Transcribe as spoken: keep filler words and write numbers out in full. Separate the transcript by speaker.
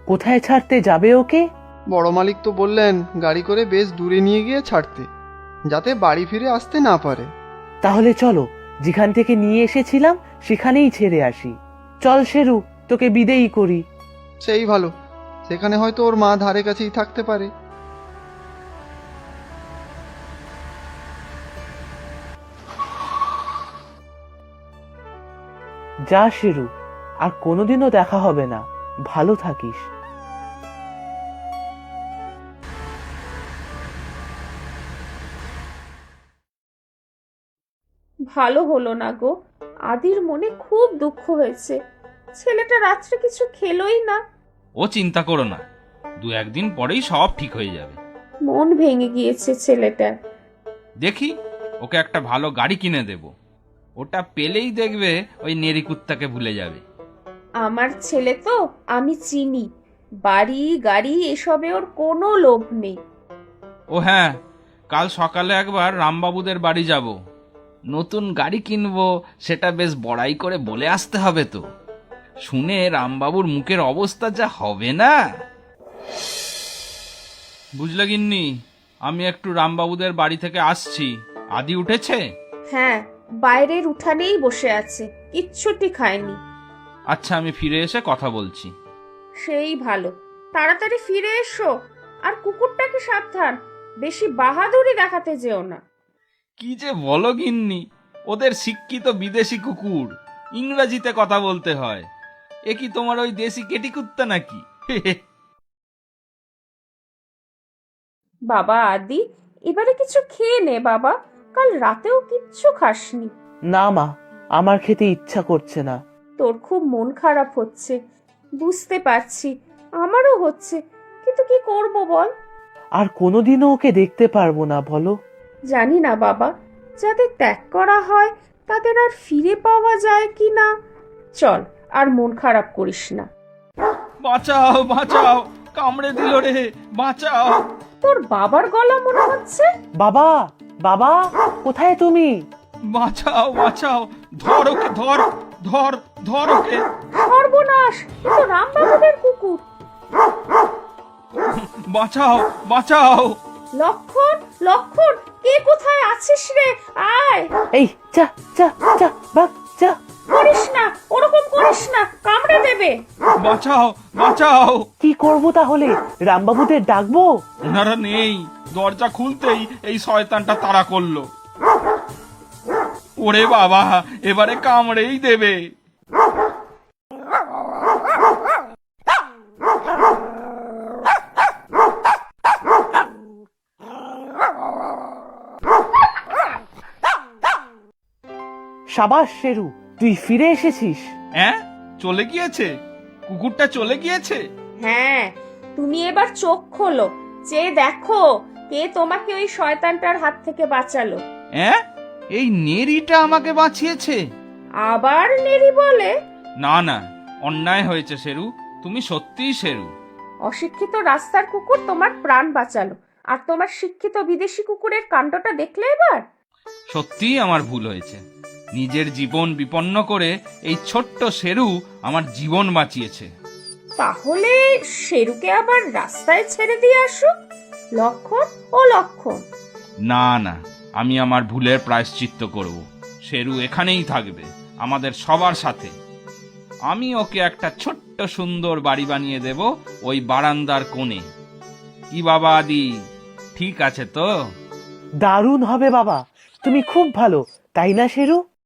Speaker 1: কোথায় ছাড়তে যাবে ওকে?
Speaker 2: বড় মালিক তো বললেন গাড়ি করে বেশ দূরে নিয়ে গিয়ে ছাড়তে, যাতে বাড়ি ফিরে আসতে না পারে।
Speaker 1: তাহলে চলো, যেখান থেকে নিয়ে এসেছিলাম সেখানেই ছেড়ে আসি। চল শেরু, তোকে বিদেয়ী করি।
Speaker 2: সেই ভালো, সেখানে হয়তো ওর মা ধারে কাছেই থাকতে পারে।
Speaker 1: যা শেরু, আর কোনোদিনও দেখা হবে না। ভালো থাকিস।
Speaker 3: ভালো হলো না গো, আদির মনে খুব দুঃখ হয়েছে। ছেলেটা রাত্রে কিছু খেলোই না।
Speaker 4: ও চিন্তা করো না, দু একদিন পরেই সব ঠিক হয়ে যাবে।
Speaker 3: মন ভেঙে গিয়েছে ছেলেটার।
Speaker 4: দেখি, ওকে একটা ভালো গাড়ি কিনে দেব। ওটা পেলেই দেখবে ওই নেরি কুত্তাকে ভুলে যাবে।
Speaker 3: আমার ছেলে তো আমি চিনি, বাড়ি গাড়ি এসবে ওর কোনো লোভ নেই।
Speaker 4: ও হ্যাঁ, কাল সকালে একবার রামবাবুদের বাড়ি যাব। নতুন গাড়ি কিনবো, সেটা বেশ বড়াই করে বলে আসতে হবে তো। শুনে রামবাবুর মুখের অবস্থা যা হবে না। বুঝলে গিন্নি, আমি একটু রামবাবুদের বাড়ি থেকে আসছি। আদি উঠেছে?
Speaker 3: হ্যাঁ, বাইরের উঠানেই বসে আছে, কিচ্ছুটি খায়নি।
Speaker 4: আচ্ছা, আমি ফিরে এসে কথা বলছি।
Speaker 3: সেই ভালো, তাড়াতাড়ি ফিরে এসো। আর কুকুরটাকে সাবধান, বেশি বাহাদুরি দেখাতে যেও না।
Speaker 4: কি যে বলো গিন্নি, ওদের শিক্ষিত বিদেশি কুকুর, ইংরেজিতে কথা বলতে হয়। এ কি তোমার ওই দেশি কেটি কুত্তা নাকি?
Speaker 3: বাবা আদি, এবারে কিছু খেয়ে নে বাবা, কাল রাতেও কিচ্ছু খাসনি।
Speaker 1: না মা, আমার খেতে ইচ্ছা করছে না।
Speaker 3: তোর খুব মন খারাপ হচ্ছে, বুঝতে পারছি, আমারও হচ্ছে, কিন্তু কি করব বল।
Speaker 1: আর কোনোদিনও ওকে দেখতে পারবো না বলো।
Speaker 3: জানি না বাবা, যাদের ত্যাগ করা হয় তাদের আর ফিরে পাওয়া যায় কি না। চল, আর মন খারাপ করিস না।
Speaker 4: বাঁচাও বাঁচাও, কামড়ে দিল রে, বাঁচাও।
Speaker 3: তোর বাবার গলা মনে হচ্ছে।
Speaker 1: বাবা, বাবা, কোথায় তুমি?
Speaker 4: বাঁচাও বাঁচাও, ধর ওকে, ধর ধর ধর ওকে।
Speaker 3: সর্বনাশ, এ তো রামবাবুদের কুকুর।
Speaker 4: বাঁচাও বাঁচাও।
Speaker 3: লক্ষণ, লক্ষণ, কে কোথায় আছিস রে? আয়।
Speaker 1: এই যা যা যা, বাঘ যা।
Speaker 3: করিস না, ওরকম করিস না, কামড়ে দেবে।
Speaker 4: বাঁচাও বাঁচাও।
Speaker 1: কি করব তাহলে? রামবাবুদের ডাকবো?
Speaker 4: ওনারা নেই, দরজা খুলতেই এই শয়তানটা তাড়া করলো। ওরে বাবা, এবারে কামড়েই দেবে।
Speaker 1: সাবাস শেরু, তুই ফিরে এসেছিস।
Speaker 4: হ্যাঁ, চলে গিয়েছে? কুকুরটা চলে গিয়েছে?
Speaker 3: হ্যাঁ, তুমি এবার চোখ খোলো, চেয়ে দেখো কে তোমাকে ওই শয়তানটার হাত থেকে বাঁচালো।
Speaker 4: হ্যাঁ, এই নেরিটা আমাকে বাঁচিয়েছে?
Speaker 3: আবার নেরি বলে?
Speaker 4: না না, অন্যায় হয়েছে শেরু, তুমি সত্যিই শেরু।
Speaker 3: অশিক্ষিত রাস্তার কুকুর তোমার প্রাণ বাঁচালো, আর তোমার শিক্ষিত বিদেশি কুকুরের কাণ্ডটা দেখলে এবার?
Speaker 4: সত্যিই আমার ভুল হয়েছে। নিজের জীবন বিপন্ন করে এই ছোট্ট শেরু আমার জীবন বাঁচিয়েছে।
Speaker 3: তাহলে শেরুকে আবার রাস্তায় ছেড়ে দিয়ে আসো, লক্ষণ ও লক্ষণ।
Speaker 4: না না, আমি আমার ভুলের প্রায়শ্চিত্ত করব। শেরু এখানেই থাকবে, আমাদের সবার সাথে। আমি ওকে একটা ছোট্ট সুন্দর বাড়ি বানিয়ে দেব ওই বারান্দার কোণে। কি বাবা আদি, ঠিক আছে তো?
Speaker 1: দারুণ হবে বাবা, তুমি খুব ভালো, তাই না শেরু?